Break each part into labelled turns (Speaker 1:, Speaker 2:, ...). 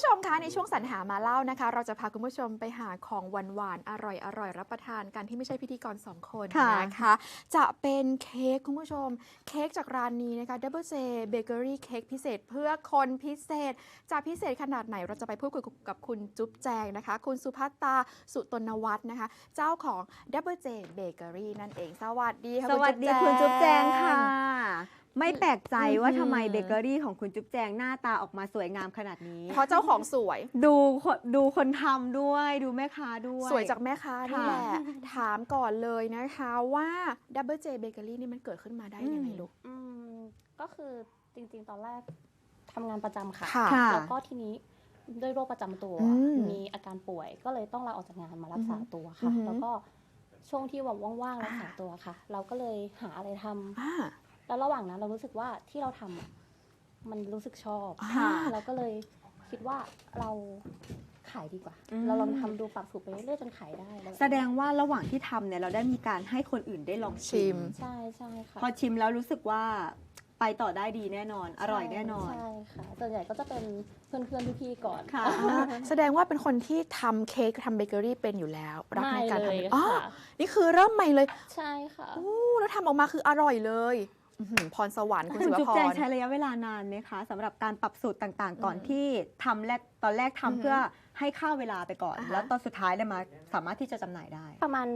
Speaker 1: ผู้ชมคะในช่วงสรรหามาเล่านะคะเราจะพาคุณผู้ชมไปหาของหวานๆอร่อยรับประทานกันที่ไม่ใช่พิธีกร2คนนะคะจะเป็นเค้กคุณผู้ชมเค้กจากร้านนี้นะคะ Double J Bakery เค้กพิเศษเพื่อคนพิเศษจะพิเศษขนาดไหนเราจะไปพูดคุยกับคุณจุ๊บแจงนะคะคุณสุภัตตาสุตนวัฒน์นะคะเจ้าของ Double J Bakery นั่นเองสวัสดีค่ะ
Speaker 2: สวัสดีคุณจุ๊บแจงค่ะไม่แปลกใจว่าทำไมเบเกอรี่ของคุณจุ๊บแจงหน้าตาออกมาสวยงามขนาดนี้
Speaker 1: เพราะเจ้าของสวย
Speaker 2: ดูคนทำด้วยดูแม่ค้าด้วย
Speaker 1: สวยจากแม่ค้านี่แหละถามก่อนเลยนะคะว่า Double J Bakery นี่มันเกิดขึ้นมาได้ยังไงลูก
Speaker 3: ก็คือจริงๆตอนแรกทำงานประจำค่ะ แล้วก็ทีนี้ด้วยโรคประจำตัวมีอาการป่วยก็เลยต้องลาออกจากงานมารักษาตัวค่ะแล้วก็ช่วงที่ว่างๆรักษาตัวค่ะเราก็เลยหาอะไรทำแล้วระหว่างนั้นเรารู้สึกว่าที่เราทำมันรู้สึกชอบเราก็เลยคิดว่าเราขายดีกว่าเราลองทำดูปรับสูตรไปเรื่อยๆจนขายได้
Speaker 2: แสดงว่าระหว่างที่ทำเนี่ยเราได้มีการให้คนอื่นได้ลองชิม
Speaker 3: ใช่ใช่ค่ะ
Speaker 2: พอชิมแล้วรู้สึกว่าไปต่อได้ดีแน่นอนอร่อยแน่นอน
Speaker 3: ใช่ค่ะส่วนใหญ่ก็จะเป็นเพื่อนๆพี่ๆก่อน
Speaker 2: ค่ะ
Speaker 1: แสดงว่าเป็นคนที่ทำเค้กทำเบเกอรี่เป็นอยู่แล้วรักในการทำ
Speaker 3: อ๋อ
Speaker 1: นี่คือเริ่มใหม่เลย
Speaker 3: ใช่ค่ะ
Speaker 1: แล้วทำออกมาคืออร่อยเลยพรสวรรค์คุณสุภพร
Speaker 2: จุ๊บแจงใช้ระยะเวลานานไหมคะสำหรับการปรับสูตรต่างๆก่อนที่ทำตอนแรกทำเพื่อให้ค่าเวลาไปก่อนแล้วตอนสุดท้ายเลยมาสามารถที่จะจำหน่ายได้
Speaker 3: ประมาณ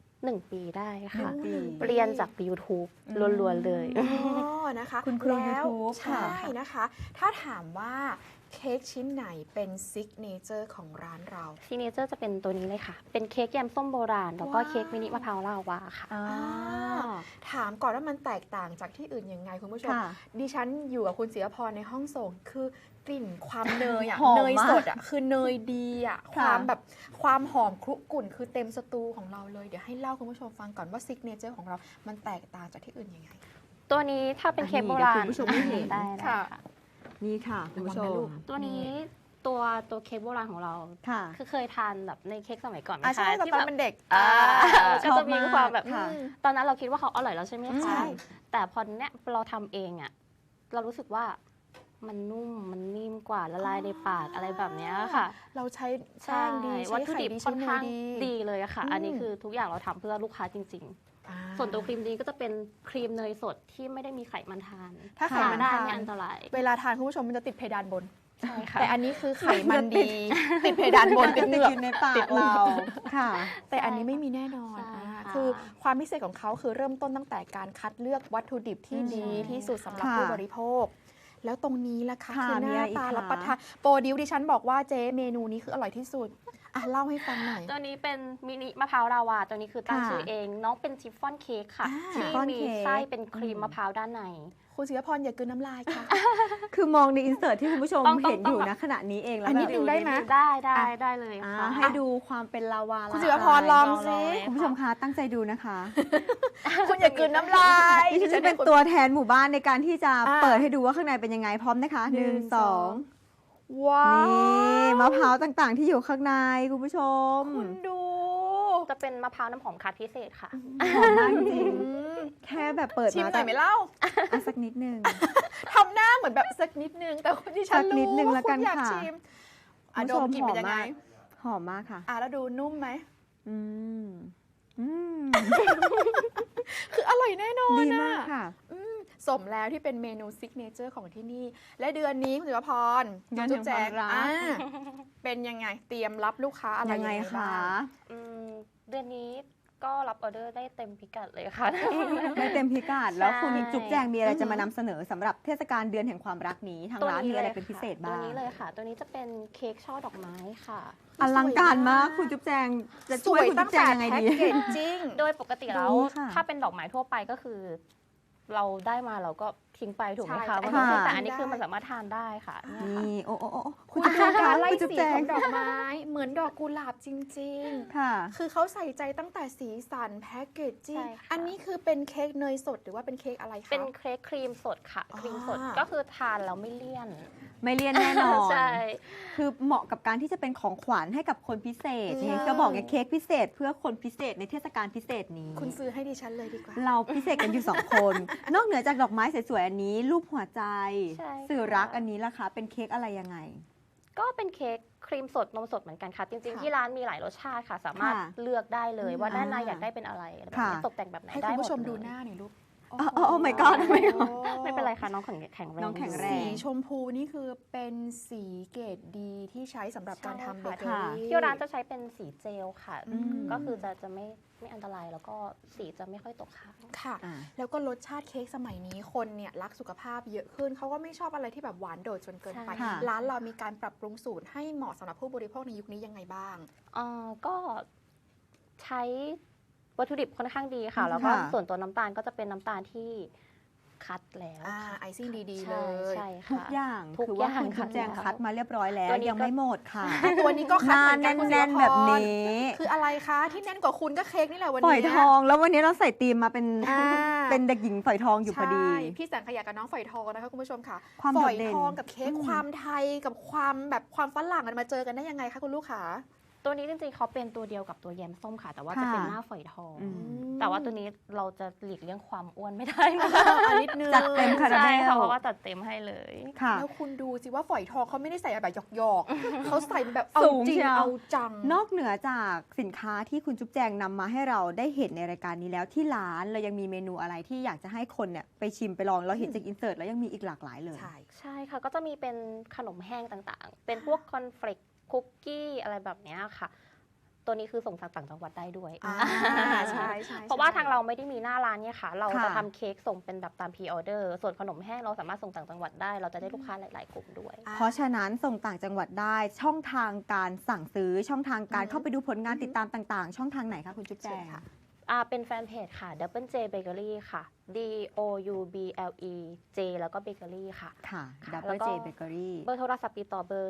Speaker 3: 1 ปีได้ค่ะเรียนจาก YouTube ล้วนๆเลย
Speaker 1: นะคะ
Speaker 2: คุณครู YouTube
Speaker 1: ใช่นะคะถ้าถามว่าเค้กชิ้นไหนเป็นซิกเนเจอร์ของร้านเรา
Speaker 3: ซิกเนเจอร์จะเป็นตัวนี้เลยค่ะเป็นเค้กแยมส้มโบราณแล้วก็เค้กมินิมะพร้าวลาวาค่ะ
Speaker 1: ถามก่อนว่ามันแตกต่างจากที่อื่นยังไงคุณผู้ชมดิฉันอยู่กับคุณศิรพรในห้องส่งคือกลิ่นความเนยอ่ะเนยสดอ่ะคือเนยดีอ่ะความหอมครุกรุ่นคือเต็มสตูของเราเลยเดี๋ยวให้เล่าคุณผู้ชมฟังก่อนว่าซิกเนเจอร์ของเรามันแตกต่างจากที่อื่นยังไง
Speaker 3: ตัวนี้ถ้าเป็นเค้กโบราณ
Speaker 2: คุณผู้ชมไม่เห็น
Speaker 3: ได้ค่ะ
Speaker 2: นี่ค่ะคุณผู้ชม
Speaker 3: ตัวนี้ตัวเค้กโบราณของเราคือเคยทานแบบในเค้กสมัยก่อนไหมคะ
Speaker 1: ใช่ตอนเป็นเด็ก
Speaker 3: ก็จะมีความแบบตอนนั้นเราคิดว่าเขาอร่อยแล้วใช่ไหมคะแต่พอเนี้ยเราทำเองอ่ะเรารู้สึกว่ามันนุ่มมันนิ่มกว่าละลายในปากอะไรแบบนี้ค่ะ
Speaker 1: เราใช้แป้งดี
Speaker 3: วัตถุดิบค่อนข้างดีเลยค่ะอันนี้คือทุกอย่างเราทำเพื่อลูกค้าจริงๆส่วนตัวครีมนี้ก็จะเป็นครีมเนยสดที่ไม่ได้มีไขมันทาน
Speaker 1: ถ้าไขมัน
Speaker 3: ได้ไม่อันตราย
Speaker 1: เวลาทานคุณผู้ชมมันจะติดเพดานบน
Speaker 3: ใช่ค่ะ
Speaker 1: แต่อันนี้คือไขมันดีติดเพดานบนติดเหงือก
Speaker 2: ในปากเราค่ะ
Speaker 1: แต่อันนี้ไม่มีแน่นอนคือความพิเศษของเขาคือเริ่มต้นตั้งแต่การคัดเลือกวัตถุดิบที่ดีที่สุดสำหรับผู้บริโภคแล้วตรงนี้ล่ะคะคือหน้าตารับประทานโปรดิวดิฉันบอกว่าเจ๊เมนูนี้คืออร่อยที่สุดเล่าให้ฟังหน่อย
Speaker 3: ตัวนี้เป็นมินิมะพร้าวลาวาตัวนี้คือตั้งชื่อเองน้องเป็นชิฟฟ่อนเค้กค่ะที่มีไส้เป็นครีมมะพร้าวด้านใน
Speaker 1: คุณศิรพรอย่ากลืนน้ำลายค่ะ
Speaker 2: คือมองในอินเสิร์ตที่คุณผู้ชมเห็นอยู่นะขณะนี้เองแล้ว
Speaker 1: นิดนึงได้ไหม
Speaker 3: ได้เลยค่ะ
Speaker 2: ให้ดูความเป็นลาวา
Speaker 1: คุณศิรพรลองสิ
Speaker 2: คุณผู้ชมคะตั้งใจดูนะคะ
Speaker 1: คุณอย่ากลืนน้ำลาย
Speaker 2: ดิฉันจะเป็นตัวแทนหมู่บ้านในการที่จะเปิดให้ดูว่าข้างในเป็นยังไงพร้อมนะคะ1 2
Speaker 1: ว้าว
Speaker 2: นี่มะพร้าวต่างๆที่อยู่ข้างในคุณผู้ชม
Speaker 1: คุณดู
Speaker 3: จะเป็นมะพร้าวน้ำหอมคัดพิเศษค่ะ
Speaker 2: หอมมากจริงแค่แบบเปิด
Speaker 1: ชิมหน่อยไหมเล่า
Speaker 2: สักนิดนึง
Speaker 1: ทำหน้าเหมือนแบบสักนิดนึงแต่คนที่ฉันรู้ว่าคุณอยากชิมดมกลิ่นเป็นยังไง
Speaker 2: หอมมากค่ะ
Speaker 1: แล้วดูนุ่มไหมคืออร่อยแน่นอน
Speaker 2: ดีมากค่ะ
Speaker 1: สมแล้วที่เป็นเมนูซิกเนเจอร์ของที่นี่และเดือนนี้คุณศิวพรจุ๊บแจงเป็นยังไงเตรียมรับลูกค้าอะไรยังไงคะ
Speaker 3: เดือนนี้ก็รับออเดอร์ได้เต็มพิกัดเลยค่ะ
Speaker 2: ได้เต็มพิกัดแล้วคุณจุ๊บแจงมีอะไรจะมานำเสนอสำหรับเทศกาลเดือนแห่งความรักนี้ทางร้านมีอะไรเป็นพิเศษบ้าง
Speaker 3: ตัวนี้เลยค่ะตัวนี้จะเป็นเค้กช่อดอกไม้ค่ะ
Speaker 2: อลังการมากคุณจุ๊บแจงจะช่วยคุณจุ๊บแจงยังไงดี
Speaker 1: จริง
Speaker 3: โดยปกติแล้วถ้าเป็นดอกไม้ทั่วไปก็คือเราได้มาเราก็ทิ้งไปถูกไหมคะแต่อันนี้คือมันสามารถทานได้ค่ะ
Speaker 2: นี่โอ้
Speaker 1: คุณจุ๊บแจงคะไล่สีของดอกไม้เหมือนดอกกุหลาบจริงๆ
Speaker 2: ค่ะ
Speaker 1: คือเขาใส่ใจตั้งแต่สีสันแพ็กเกจจิ้งอันนี้คือเป็นเค้กเนยสดหรือว่าเป็นเค้กอะไรคะ
Speaker 3: เป็นเค้กครีมสดค่ะครีมสดก็คือทานแล้วไม่เลี่ยน
Speaker 2: แน่นอน
Speaker 3: ใช่
Speaker 2: คือเหมาะกับการที่จะเป็นของขวัญให้กับคนพิเศษนี่ก็บอกไงเค้กพิเศษเพื่อคนพิเศษในเทศกาลพิเศษนี้
Speaker 1: คุณซื้อให้ดิฉันเลยดีกว่า
Speaker 2: เราพิเศษกันอยู่2 คน นอกเหนือจากดอกไม้สวยๆอันนี้รูปหัวใจสื่อรักอันนี้ล่ะคะเป็นเค้กอะไรยังไง
Speaker 3: ก็เป็นเค้กครีมสดนมสดเหมือนกันค่ะ จริง
Speaker 1: ค่ะ
Speaker 3: ๆที่ร้านมีหลายรสชาติค่ะ สามารถ
Speaker 2: ค่ะ
Speaker 3: เลือกได้เลยว่าด้านใน
Speaker 2: อ่า
Speaker 3: อยากได้เป็นอะไรแบบนี้
Speaker 2: ค่ะ
Speaker 3: ตกแต่งแบบไหน
Speaker 1: ให้
Speaker 3: ได้
Speaker 1: คุณ
Speaker 3: หม
Speaker 1: ผู้ชม
Speaker 3: ด
Speaker 1: ดู
Speaker 3: เลย
Speaker 1: หน้าหน่อยลูก
Speaker 2: โอ้ my god
Speaker 1: โอ้
Speaker 2: my god
Speaker 3: ไม่เป็นไรค่ะน้องแข็งแรง
Speaker 2: น้องแข็งแร
Speaker 1: สี
Speaker 2: ง
Speaker 1: ชมพูนี่คือเป็นสีเกรดดีที่ใช้สำหรับการทำเบเกอ
Speaker 2: ค่ะ
Speaker 1: รี่
Speaker 3: ที่ร้านจะใช้เป็นสีเจลค่ะ
Speaker 1: อืม
Speaker 3: ก็คือจะไม่อันตรายแล้วก็สีจะไม่ค่อยตกค้าง
Speaker 1: ค่ะ
Speaker 2: อ่า
Speaker 1: แล้วก็รสชาติเค้กสมัยนี้คนเนี่ยรักสุขภาพเยอะขึ้นเขาก็ไม่ชอบอะไรที่แบบหวานโดดจนเกินไป
Speaker 2: ใช่ค่ะ
Speaker 1: ร้านเรามีการปรับปรุงสูตรให้เหมาะสำหรับผู้บริโภคในยุคนี้ยังไงบ้าง
Speaker 3: ก็ใช้วัตถุดิบค่อนข้างดีค่ะ แล้วก็
Speaker 2: ค่ะ
Speaker 3: ส่วนตัวน้ำตาลก็จะเป็นน้ำตาลที่คัดแล้ว
Speaker 1: ไอซิ่งดีๆ
Speaker 3: ใช่
Speaker 1: เลย
Speaker 3: ใช่
Speaker 2: ทุก
Speaker 3: ค่ะ
Speaker 2: อย่าง
Speaker 3: ทุก
Speaker 2: คือว่า
Speaker 3: อย่าง
Speaker 2: คุณจุ๊บแจง
Speaker 3: ค่ะ
Speaker 2: คัดมาเรียบร้อยแล้ว
Speaker 3: ตัวนี้ก็
Speaker 2: ยังไม่หมดค่ะ
Speaker 1: ตัวนี้ก็คัด
Speaker 2: ห
Speaker 1: เห
Speaker 2: น้า
Speaker 1: มือนกันคุณศิว
Speaker 2: แน่น
Speaker 1: พร
Speaker 2: ๆแบบนี้
Speaker 1: คืออะไรคะที่แน่นกว่าคุณก็เค้กนี่แหละวัน
Speaker 2: ฝ
Speaker 1: นี้
Speaker 2: อยทองแล้ววันนี้เราใส่ธีมมาเป็น
Speaker 1: อ่า
Speaker 2: เป็นเด็กหญิงฝอยทองอยู่พอดี
Speaker 1: ใช่พี่แสงขยะกับน้องฝอยทองนะคะคุณผู้ชมค่ะ
Speaker 2: ความ
Speaker 1: ฝ
Speaker 2: โด
Speaker 1: อ
Speaker 2: ด
Speaker 1: ย
Speaker 2: เด่น
Speaker 1: ทองกับเค้ก
Speaker 2: อืม
Speaker 1: ความไทยกับความแบบความฝรั่งมันมาเจอกันได้ยังไงคะคุณลูกค้า
Speaker 3: ตัวนี้จริงๆเขาเป็นตัวเดียวกับตัวแยมส้มค่ะ แต่ว่าจะ
Speaker 2: ค่ะ
Speaker 3: เป็นหน้าฝอยทอง
Speaker 2: อืม
Speaker 3: แต่ว่าตัวนี้เราจะหลีกเลี่ยงความอ้วนไม่ได้นะ
Speaker 1: นิดนึง
Speaker 2: จัดเต็มคาราเมล
Speaker 3: ใช่ค่ะเพราะว่าจัดเต็มให้เลย
Speaker 2: ค่ะ
Speaker 1: แล้วคุณดูสิว่าฝอยทองเขาไม่ได้ใส่แบบหยอกๆ เขาใส่แบบเอา
Speaker 2: สูง
Speaker 1: จริง
Speaker 2: เชียว
Speaker 1: เอาจัง
Speaker 2: นอกเหนือจากสินค้าที่คุณจุ๊บแจงนำมาให้เราได้เห็นในรายการนี้แล้วที่ร้านเรายังมีเมนูอะไรที่อยากจะให้คนเนี่ยไปชิมไปลองเราเห็นจากอินเสิร์ตแล้วยังมีอีกหลากหลายเลย
Speaker 1: ใช่
Speaker 3: ใช่ค่ะ ก็จะมีเป็นขนมแห้งต่างๆ เป็นพวกคอนเฟลกคุกกี้อะไรแบบเนี้ยค่ะ ตัวนี้คือส่งต่างจังหวัดได้ด้วย
Speaker 1: ใช่ใช่
Speaker 3: เพราะว่าทางเราไม่ได้มีหน้าร้านเนี่ยค่ะ เรา
Speaker 2: ค่ะ
Speaker 3: จะทำเค้กส่งเป็นแบบตามพรีออเดอร์ส่วนขนมแห้งเราสามารถส่งต่างจังหวัดได้ เราจะได้ลูกค้าหลายๆกลุ่มด้วย
Speaker 2: เพราะฉะนั้นส่งต่างจังหวัดได้ช่องทางการสั่งซื้อช่องทางการ
Speaker 1: อือฮึ
Speaker 2: เข้าไปดูผลงานติดตามต่างๆ ช่องทางไหนคะคุณจุ๊บแจ
Speaker 1: เชิญ
Speaker 2: ง
Speaker 1: ค่ะ
Speaker 3: เป็นแฟนเพจค่ะ Double J Bakery ค่ะ DOUBLE J แล้วก็ Bakery ค่ะ
Speaker 2: ค่ะ
Speaker 3: ค่ะ
Speaker 2: Double
Speaker 3: แล้วก็
Speaker 2: J Bakery
Speaker 3: เบอร์โทรศัพท์ติดต่อเบอร์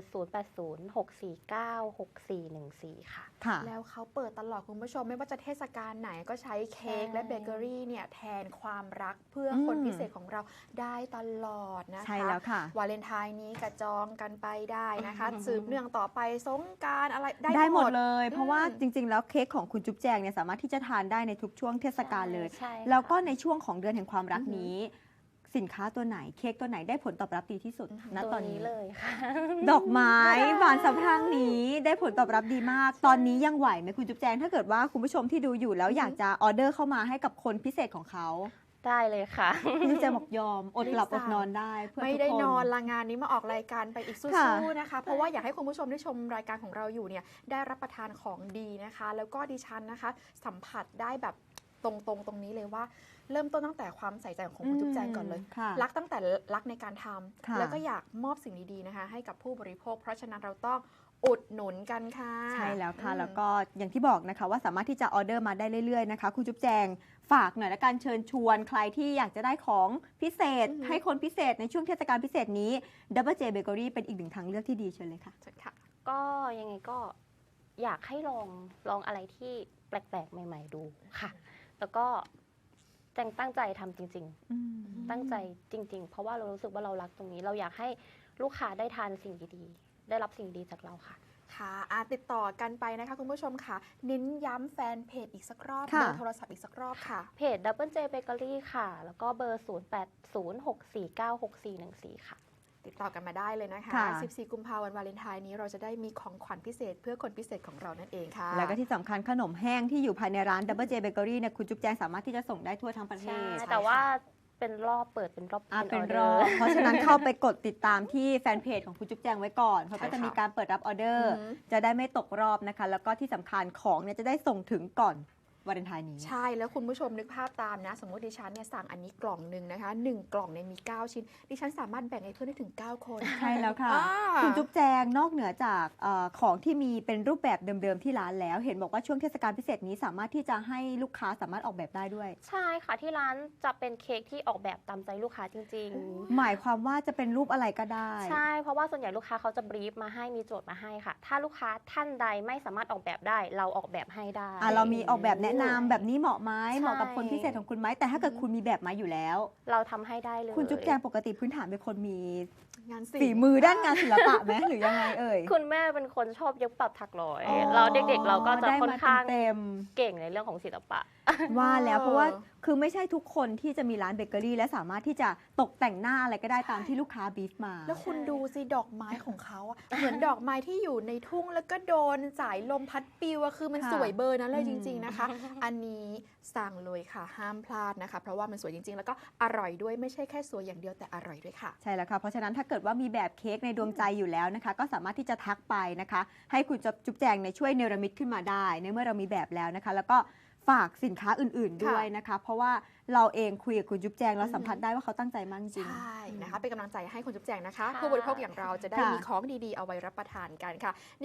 Speaker 3: 0806496414 ค่ะ
Speaker 2: ค่ะ
Speaker 1: แล้วเขาเปิดตลอดคุณผู้ชมไม่ว่าจะเทศกาลไหนก็ใช้เค้ก
Speaker 3: ใช่
Speaker 1: และเบเกอรี่เนี่ยแทนความรักเพื่อคน
Speaker 2: อืม
Speaker 1: พิเศษของเราได้ตลอดนะคะ
Speaker 2: ใช่แล้วค่ะ
Speaker 1: วาเลนไทน์นี้กระจองกันไปได้นะคะ
Speaker 3: อือฮึ
Speaker 1: สืบเนื่องต่อไปสงกรารอะไร
Speaker 2: ได้หมดเลย
Speaker 1: อืม
Speaker 2: เพราะว่าจริง ๆ แล้วเค้กของคุณจุ๊บแจงเนี่ยสามารถที่จะทานได้ในทุกช่วงเทศกาลเลย
Speaker 3: ใช่ค่ะ
Speaker 2: แล้วก็ในช่วงของเดือนแห่งความรักนี้ สินค้าตัวไหนเค้กตัวไหนได้ผลตอบรับดีที่สุดณ
Speaker 3: ตัว
Speaker 2: ตอน
Speaker 3: นี้
Speaker 2: นี้
Speaker 3: เลยค่ะ
Speaker 2: ดอกไม้บานสะพรั่งนี้ได้ผลตอบรับดีมาก ตอนนี้ยังไหวไหมคุณจุ๊บแจงถ้าเกิดว่าคุณผู้ชมที่ดูอยู่แล้วอยากจะออเดอร์เข้ามาให้กับคนพิเศษของเขา
Speaker 3: ได้เลยค่ะ
Speaker 2: คุณจุ๊บแจงบอกยอมอดหลับอดนอนได้เพื่อ
Speaker 1: ไม่
Speaker 2: ทุก
Speaker 1: ได้
Speaker 2: คน
Speaker 1: นอนละงานนี้มาออกรายการไปอีกสู้
Speaker 2: ค่ะ
Speaker 1: ๆนะคะ เพราะว่าอยากให้คุณผู้ชมที่ชมรายการของเราอยู่เนี่ยได้รับประทานของดีนะคะ แล้วก็ดิฉันนะคะ สัมผัสได้แบบตรงนี้เลยว่า เริ่มต้นตั้งแต่ความใส่ใจของคุณจุ๊บแจงก่อนเลย
Speaker 2: ค่ะ
Speaker 1: รักตั้งแต่รักในการท
Speaker 2: ค่ะ
Speaker 1: ำแล้วก็อยากมอบสิ่งดีๆนะคะ ให้กับผู้บริโภค เพราะฉะนั้นเราต้องอุดหนุนกันค่ะ
Speaker 2: ใช่แล้วค่ะ
Speaker 1: อืม
Speaker 2: แล้วก็อย่างที่บอกนะคะว่าสามารถที่จะออเดอร์มาได้เรื่อยๆนะคะคุณจุ๊บแจงฝากหน่อยละกันเชิญชวนใครที่อยากจะได้ของพิเศษ ให้คนพิเศษในช่วงเทศกาลพิเศษนี้ Double J Bakery เป็นอีกหนึ่งทางเลือกที่ดีเชิญเลยค่ะ
Speaker 1: เชิญค่ะ
Speaker 3: ก็ยังไงก็อยากให้ลองอะไรที่แปลกๆ ใหม่ ๆ ดูค่ะ แล้วก็แจงตั้งใจทำจริง ๆ ตั้งใจจริง ๆ เพราะว่าเรารู้สึกว่าเรารักตรงนี้ เราอยากให้ลูกค้าได้ทานสิ่งดีๆ ได้รับสิ่งดีจากเราค่ะ
Speaker 1: ค่ะติดต่อกันไปนะคะคุณผู้ชมค่ะ เน้นย้ำแฟนเพจอีกสักรอบ
Speaker 2: ค่ะ
Speaker 1: เบอร์โทรศัพท์อีกสักรอบค่ะ
Speaker 3: เพจ Double J Bakery ค่ะ แล้วก็เบอร์ 0806496414 ค่ะ
Speaker 1: ติดต่อกันมาได้เลยนะคะ
Speaker 2: ค่ะ
Speaker 1: 14 กุมภาพันธ์วาเลนไทน์นี้เราจะได้มีของขวัญพิเศษเพื่อคนพิเศษของเรานั่นเองค่ะ
Speaker 2: แล้วก็ที่สำคัญขนมแห้งที่อยู่ภายในร้าน Double J Bakery เนี่ยคุณจุ๊บแจงสามารถที่จะส่งได้ทั่วทั้งประเท
Speaker 3: ใช่
Speaker 2: ศ
Speaker 3: แต่ว่าเป็นรอบเปิดเป็นรอบ
Speaker 2: เป็น
Speaker 3: ออ
Speaker 2: ร
Speaker 3: เด
Speaker 2: อ
Speaker 3: ร์
Speaker 2: บเพราะฉะนั้นเข้าไปกดติดตามที่แฟนเพจของคุณจุ๊บแจงไว้ก่อนเขาก็จะมีการเปิดรับออเดอร์
Speaker 1: อือฮึ
Speaker 2: จะได้ไม่ตกรอบนะคะ แล้วก็ที่สำคัญของเนี่ยจะได้ส่งถึงก่อนวาเลนไทน์นี้
Speaker 1: ใช่แล้วคุณผู้ชมนึกภาพตามนะ สมมติดิฉันเนี่ยสั่งอันนี้กล่องหนึ่งนะคะ1กล่องเนี่ยมี 9 ชิ้น ดิฉันสามารถแบ่งให้เพื่อนได้ถึง 9 คน
Speaker 2: ใช่แล้วค่ะ
Speaker 1: อ่า
Speaker 2: คุณจุ๊บแจงนอกเหนือจากของที่มีเป็นรูปแบบเดิมๆที่ร้านแล้ว เห็นบอกว่าช่วงเทศกาลพิเศษนี้สามารถที่จะให้ลูกค้าสามารถออกแบบได้ด้วย
Speaker 3: ใช่ค่ะที่ร้านจะเป็นเค้กที่ออกแบบตามใจลูกค้าจริง
Speaker 2: หมายความว่าจะเป็นรูปอะไรก็ได้
Speaker 3: ๆ ใช่ เพราะว่าส่วนใหญ่ลูกค้าเขาจะบรีฟมาให้มีโจทย์มาให้ค่ะ ถ้าลูกค้าท่านใดไม่สามารถออกแบบได้ เราออกแบบให้ได้
Speaker 2: เรามีออกแบบแนะนำแบบนี้เหมาะไหม
Speaker 3: ใช่
Speaker 2: เหมาะกับคนพิเศษของคุณไหมแต่ถ้าเกิดคุณมีแบบมาอยู่แล้ว
Speaker 3: เราทำให้ได้เลย
Speaker 2: คุณจุ๊บแจงปกติพื้นฐานเป็นคนมี
Speaker 1: งาน
Speaker 2: ฝีมือด้านงานศิลปะไหมหรือยังไงเอ่ย
Speaker 3: คุณแม่เป็นคนชอบเย็บปักถักร้อย
Speaker 2: อ๋อ
Speaker 3: เราเด็กๆเราก็จะ
Speaker 2: ได้
Speaker 3: ค่อน
Speaker 2: มา
Speaker 3: ข้าง
Speaker 2: เต็ม
Speaker 3: เก่งในเรื่องของศิลปะ
Speaker 2: ๆว่าแล้วเพราะว่าคือไม่ใช่ทุกคนที่จะมีร้านเบเกอรี่และสามารถที่จะตกแต่งหน้าอะไรก็ได้ตามที่ลูกค้าบีฟมา
Speaker 1: แล้วคุณดูสิดอกไม้ของเขาอะเหมือนดอกไม้ที่อยู่ในทุ่งแล้วก็โดนสายลมพัดปลิวอะคือมัน
Speaker 2: ค่ะ
Speaker 1: สวยเบอร์นั้นเลยจริง ๆนะคะ อันนี้สั่งเลยค่ะห้ามพลาดนะคะ เพราะว่ามันสวยจริง ๆ แล้วก็อร่อยด้วยไม่ใช่แค่สวยอย่างเดียวแต่อร่อยด้วยค่ะ
Speaker 2: ใช่แล้วค่ะเพราะฉะนั้นถ้าเกิดว่ามีแบบเค้กในดวงใจอยู่แล้วนะคะ ก็สามารถที่จะทักไปนะคะ ให้คุณจุ๊บแจงในช่วยเนรมิตขึ้นมาได้ในเมื่อเรามีแบบแล้วนะคะ แล้วก็ฝากสินค้าอื่นๆด้วยนะคะ เพราะว่าเราเองคุยกับคุณจุ๊บแจงเราสัมผัสได้ว่าเขาตั้งใจมากจริง
Speaker 1: ใช่นะคะเป็นกำลังใจให้คุณจุ๊บแจงนะคะ
Speaker 3: ค่ะ
Speaker 1: ผู้บริโภคอย่างเราจะได้
Speaker 2: ค่ะ
Speaker 1: มีของดีๆเอาไว้รับประทานกันค่ะ